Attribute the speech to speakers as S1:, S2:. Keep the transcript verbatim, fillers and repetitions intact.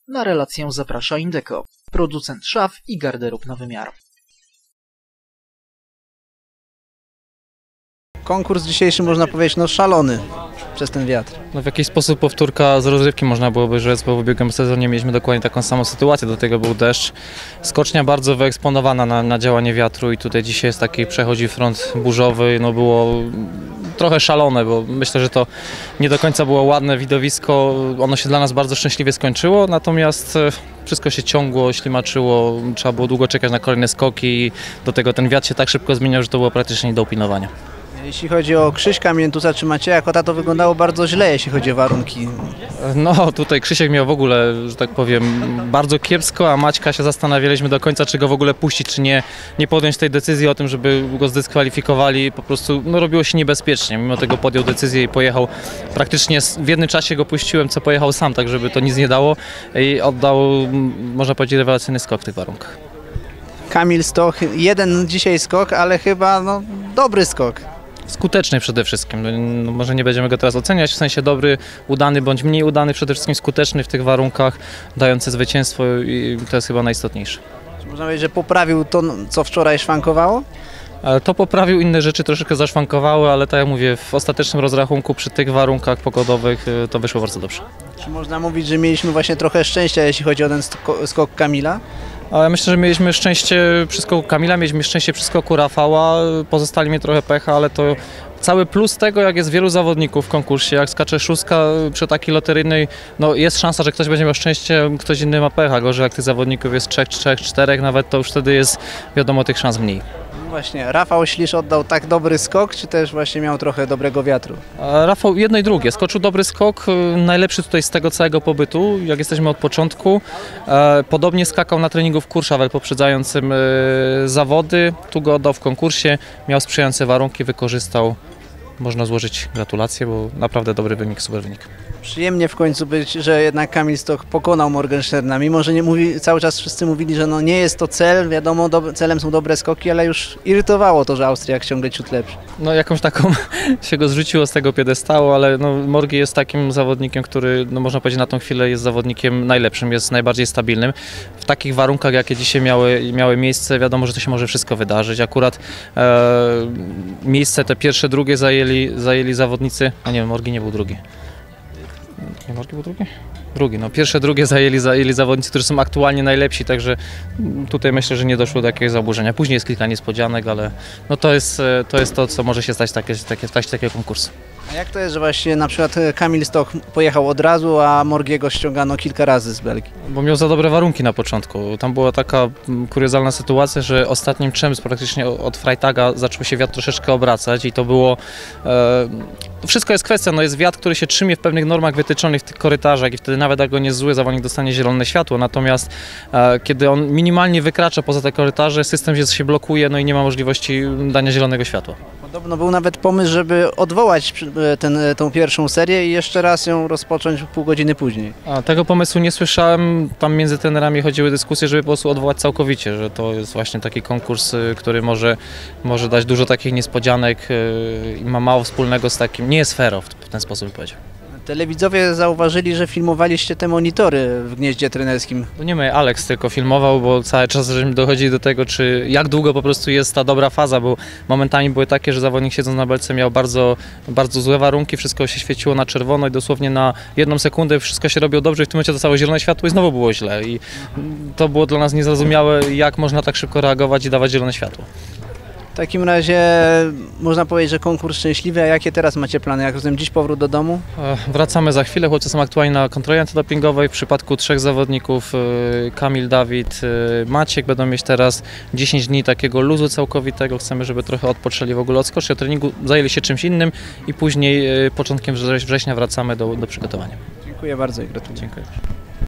S1: Na relację zaprasza Indeco, producent szaf i garderób na wymiar.
S2: Konkurs dzisiejszy, można powiedzieć, no szalony przez ten wiatr.
S3: No w jakiś sposób powtórka z rozrywki można byłoby rzec, bo w ubiegłym sezonie mieliśmy dokładnie taką samą sytuację, do tego był deszcz. Skocznia bardzo wyeksponowana na, na działanie wiatru i tutaj dzisiaj jest taki przechodzi front burzowy, no było trochę szalone, bo myślę, że to nie do końca było ładne widowisko, ono się dla nas bardzo szczęśliwie skończyło, natomiast wszystko się ciągło, ślimaczyło, trzeba było długo czekać na kolejne skoki i do tego ten wiatr się tak szybko zmieniał, że to było praktycznie nie do opinowania.
S2: Jeśli chodzi o Krzyśka Miętusa czy Macieja Kota, to wyglądało bardzo źle, jeśli chodzi o warunki.
S3: No tutaj Krzysiek miał w ogóle, że tak powiem, bardzo kiepsko, a Maćka się zastanawialiśmy do końca, czy go w ogóle puścić, czy nie, nie podjąć tej decyzji o tym, żeby go zdyskwalifikowali. Po prostu no, robiło się niebezpiecznie. Mimo tego podjął decyzję i pojechał. Praktycznie w jednym czasie go puściłem, co pojechał sam, tak żeby to nic nie dało i oddał, można powiedzieć, rewelacyjny skok w tych warunkach.
S2: Kamil Stoch, jeden dzisiaj skok, ale chyba no, dobry skok.
S3: Skuteczny przede wszystkim. No, może nie będziemy go teraz oceniać, w sensie dobry, udany bądź mniej udany, przede wszystkim skuteczny w tych warunkach, dający zwycięstwo i to jest chyba najistotniejsze.
S2: Czy można powiedzieć, że poprawił to, co wczoraj szwankowało?
S3: To poprawił, inne rzeczy troszeczkę zaszwankowały, ale tak jak mówię, w ostatecznym rozrachunku przy tych warunkach pogodowych to wyszło bardzo dobrze.
S2: Czy można mówić, że mieliśmy właśnie trochę szczęścia, jeśli chodzi o ten skok Kamila?
S3: Ale myślę, że mieliśmy szczęście przy skoku Kamila, mieliśmy szczęście przy skoku Rafała, pozostali mi trochę pecha, ale to cały plus tego, jak jest wielu zawodników w konkursie, jak skacze szóstka przy takiej loteryjnej, no jest szansa, że ktoś będzie miał szczęście, ktoś inny ma pecha, gorzej jak tych zawodników jest trzech, trzech, czterech, nawet to już wtedy jest, wiadomo, tych szans mniej.
S2: Właśnie, Rafał Ślisz oddał tak dobry skok, czy też właśnie miał trochę dobrego wiatru?
S3: A Rafał jedno i drugie, skoczył dobry skok, najlepszy tutaj z tego całego pobytu, jak jesteśmy od początku. Podobnie skakał na treningu w Courchevel poprzedzającym zawody, tu go oddał w konkursie, miał sprzyjające warunki, wykorzystał. Można złożyć gratulacje, bo naprawdę dobry wynik, super wynik.
S2: Przyjemnie w końcu być, że jednak Kamil Stoch pokonał Morgensterna, mimo że nie mówi, cały czas wszyscy mówili, że no nie jest to cel, wiadomo, do, celem są dobre skoki, ale już irytowało to, że Austriak ciągle ciut lepszy.
S3: No jakąś taką się go zrzuciło z tego piedestału, ale no, Morgi jest takim zawodnikiem, który no, można powiedzieć na tą chwilę jest zawodnikiem najlepszym, jest najbardziej stabilnym. W takich warunkach, jakie dzisiaj miały, miały miejsce, wiadomo, że to się może wszystko wydarzyć. Akurat e, miejsce te pierwsze, drugie zajęli, zajęli zawodnicy, a nie wiem, Morgi nie był drugi. Nie, Morgi był drugi? Drugi, no pierwsze, drugie zajęli, zajęli zawodnicy, którzy są aktualnie najlepsi, także tutaj myślę, że nie doszło do jakiegoś zaburzenia. Później jest kilka niespodzianek, ale no to jest to, jest to co może się stać takie, takie, w trakcie takiego konkursu.
S2: A jak to jest, że właśnie na przykład Kamil Stoch pojechał od razu, a Morgiego ściągano kilka razy z Belgii?
S3: Bo miał za dobre warunki na początku. Tam była taka kuriozalna sytuacja, że ostatnim czym praktycznie od Freitaga zaczął się wiatr troszeczkę obracać i to było... E, wszystko jest kwestia, no jest wiatr, który się trzymie w pewnych normach wytyczonych w tych korytarzach i wtedy nawet jak on jest zły, zawodnik dostanie zielone światło, natomiast e, kiedy on minimalnie wykracza poza te korytarze, system się, się blokuje, no i nie ma możliwości dania zielonego światła.
S2: Podobno był nawet pomysł, żeby odwołać ten, tą pierwszą serię i jeszcze raz ją rozpocząć pół godziny później.
S3: A, tego pomysłu nie słyszałem, tam między trenerami chodziły dyskusje, żeby po prostu odwołać całkowicie, że to jest właśnie taki konkurs, który może, może dać dużo takich niespodzianek i ma mało wspólnego z takim, nie jest fair w ten sposób powiedział.
S2: Telewidzowie zauważyli, że filmowaliście te monitory w gnieździe trenerskim.
S3: No nie my, Alex tylko filmował, bo cały czas żeśmy dochodzili do tego, czy jak długo po prostu jest ta dobra faza, bo momentami były takie, że zawodnik siedząc na belce miał bardzo, bardzo złe warunki, wszystko się świeciło na czerwono i dosłownie na jedną sekundę wszystko się robiło dobrze i w tym momencie dostało zielone światło i znowu było źle. I to było dla nas niezrozumiałe, jak można tak szybko reagować i dawać zielone światło.
S2: W takim razie można powiedzieć, że konkurs szczęśliwy, a jakie teraz macie plany? Jak rozumiem, dziś powrót do domu?
S3: Wracamy za chwilę, chłopcy są aktualnie na kontroli antydopingowej. W przypadku trzech zawodników, Kamil, Dawid, Maciek, będą mieć teraz dziesięć dni takiego luzu całkowitego. Chcemy, żeby trochę odpoczęli w ogóle od skoczni, od treningu, zajęli się czymś innym i później początkiem września wracamy do, do przygotowania.
S2: Dziękuję bardzo i gratuluję.
S3: Dziękuję.